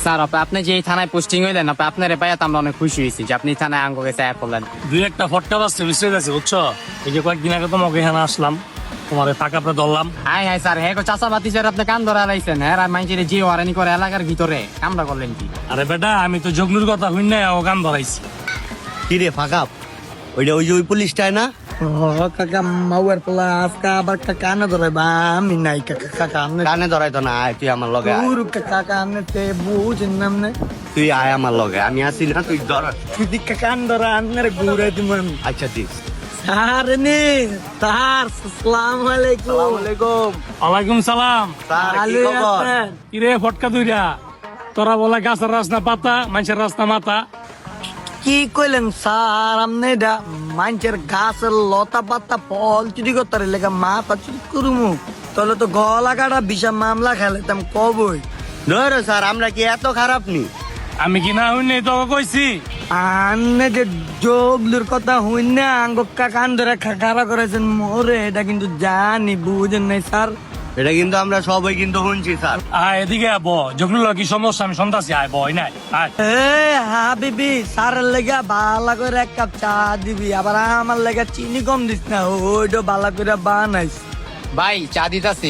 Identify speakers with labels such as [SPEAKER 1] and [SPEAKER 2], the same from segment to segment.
[SPEAKER 1] Sir আপনি যে এই থানায় পোস্টিং হইলেন আপনার পাইয়া তো আমরা অনেক খুশি হয়েছি যে আপনি থানায় আঙ্গ গেছে করলেন।
[SPEAKER 2] দুই একটা ফটকা বাজছে বুঝতে গেছে বুঝছো। এই যে কয়েকদিন আগে তোমাকে এখানে আসলাম, তোমার ফাঁকা পরে ধরলাম।
[SPEAKER 1] হাই হাই স্যার হ্যাঁ চাষা বাতি স্যার আপনি কান ধরে আলাইছেন হ্যাঁ আর মাইনছেন যে ওয়ারানি করে এলাকার ভিতরে কামড়া করলেন কি?
[SPEAKER 2] আরে বেটা আমি তো জগলুর কথা হই না, ও গান ধরাইছি।
[SPEAKER 3] কি রে ফাঁকা, ওইটা ওই যে ওই পুলিশটাই না?
[SPEAKER 4] কাকা মাউয়ার পোলা আজকে আবার কানে ধরে বা আমি নাই কাকা আমনে
[SPEAKER 3] কানে ধরাইতো না, আয় তুই আমার লগে আয়।
[SPEAKER 4] পুরো কাকা আমনে তে বুঝেন না আমনে
[SPEAKER 3] তুই আয় আমার লগে, আমি আছি না, তুই ধর।
[SPEAKER 4] যদি কান ধরে আমনে ঘুরে দিব আমি।
[SPEAKER 3] আচ্ছা দিস।
[SPEAKER 4] স্যার নে স্যার আসসালামু আলাইকুম।
[SPEAKER 2] ওয়ালাইকুম সালাম।
[SPEAKER 3] স্যার কি
[SPEAKER 4] ভালো
[SPEAKER 3] খবর?
[SPEAKER 4] আছেন?
[SPEAKER 2] কিরে ফটকা দুইরা, তোরা বলে গাছের রাস্তা পাতা, মানুষের রাস্তা মাথা।
[SPEAKER 4] কি কইলেন স্যার আমনে এটা মানুষের গাছের লতা পাতা ফল চুরি করতে লেগে মাথা চুরি করুমু তাহলে তো গলা কাটা বিশাল মামলা খেলাইতাম কবই।
[SPEAKER 3] ধরো স্যার, আমরা কি এত খারাপ নি?
[SPEAKER 2] আমি কি না হই নাই তোকে কইছি?
[SPEAKER 4] আন্নে যে জগলুর কথা হইন না আঙ্গক্কা কান ধরে খাড়া করেছেন মোরে এটা কিন্তু জানি বুঝেন নাই স্যার।
[SPEAKER 3] এটা কিন্তু আমরা সবাই কিন্তু শুনছি স্যার।
[SPEAKER 2] আয় এদিকে আয়, ব জগলুর কি সমস্যা আমি সন্তাসী, আয় বই নাই আয়।
[SPEAKER 4] এ হাবিবি স্যারের লেগে ভালো করে এক কাপ চা দিবি আবার আমার লেগে চিনি কম দিস না ওইটা ভালো করে বানাইস।
[SPEAKER 1] ভাই চা দিতাছি।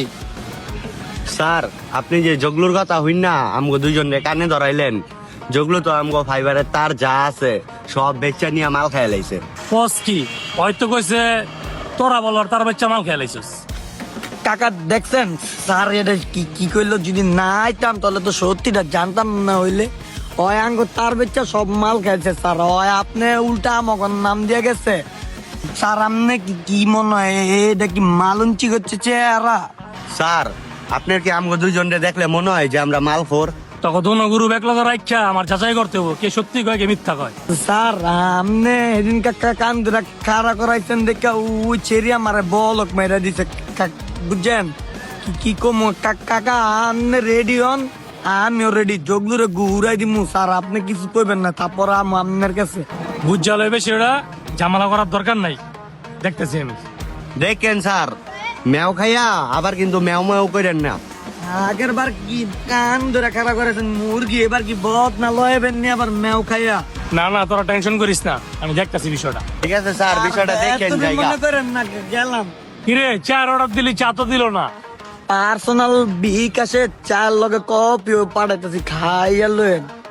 [SPEAKER 3] স্যার আপনি যে জগলুর কথা হইন না আমগো দুইজন কানে ধরাইলেন, জগলু তো আমগো ফাইবারের তার যা আছে সব বেচা নিয়ে মাল খাই লাইছে।
[SPEAKER 2] পস কি হয়তো কইছে তোরা বলার তার বাচ্চা মাল খেলাইছিস।
[SPEAKER 4] কাকা দেখছেন স্যার এটা কি কি কইলো যদি না আইতাম তাহলে তো সত্যিটা জানতাম না হইলে ওই আঙ্গ তার বেচা সব মাল খাইছে স্যার ওই আপনি উল্টা আমাকে নাম দিয়ে গেছে স্যার। আপনি কি কি মনে হয় এটা কি মালুঞ্চি করছে চেহারা?
[SPEAKER 3] স্যার আপনার কি আমগো দুইজন দেখলে মনে হয় যে আমরা মালখোর?
[SPEAKER 2] তখন দোনো গুরু বেকলগা রাখা আমার যাচাই করতে হবো কে সত্যি কয় কে মিথ্যা কয়।
[SPEAKER 4] স্যার আপনি এদিন কাকা কান ধরে খাড়া করাইছেন দেখা ওই ছেড়ি আমার বলক মেরা দিছে বুঝছেন কি কি কম কাকা আপনি রেডি হন আমিও রেডি জগলুরে ঘুরাই দিমু স্যার আপনি কিছু কইবেন না তারপর আমি আপনার কাছে
[SPEAKER 2] বুঝা লইবে সেটা ঝামেলা করার দরকার নাই, দেখতেছি আমি।
[SPEAKER 3] দেখেন স্যার ম্যাও খাইয়া আবার কিন্তু ম্যাও ম্যাও করেন না।
[SPEAKER 4] আগের বার কি কান ধরে খাড়া করেছেন মুরগি এবার কি বদ না লয়েবেন নি আবার মেও খাইয়া?
[SPEAKER 2] না না তোরা টেনশন করিস না, আমি দেখতেছি বিষয়টা।
[SPEAKER 3] ঠিক আছে স্যার, বিষয়টা দেখেন
[SPEAKER 4] এতদিন
[SPEAKER 3] জায়গা।
[SPEAKER 4] মনে করেন না গেলাম
[SPEAKER 2] কিরে চার অর্ডার দিলি চা তো দিল না।
[SPEAKER 4] পার্সোনাল বিকাশে চার লগে কপিও পাঠাইতেছি খাইয়া লয়েন।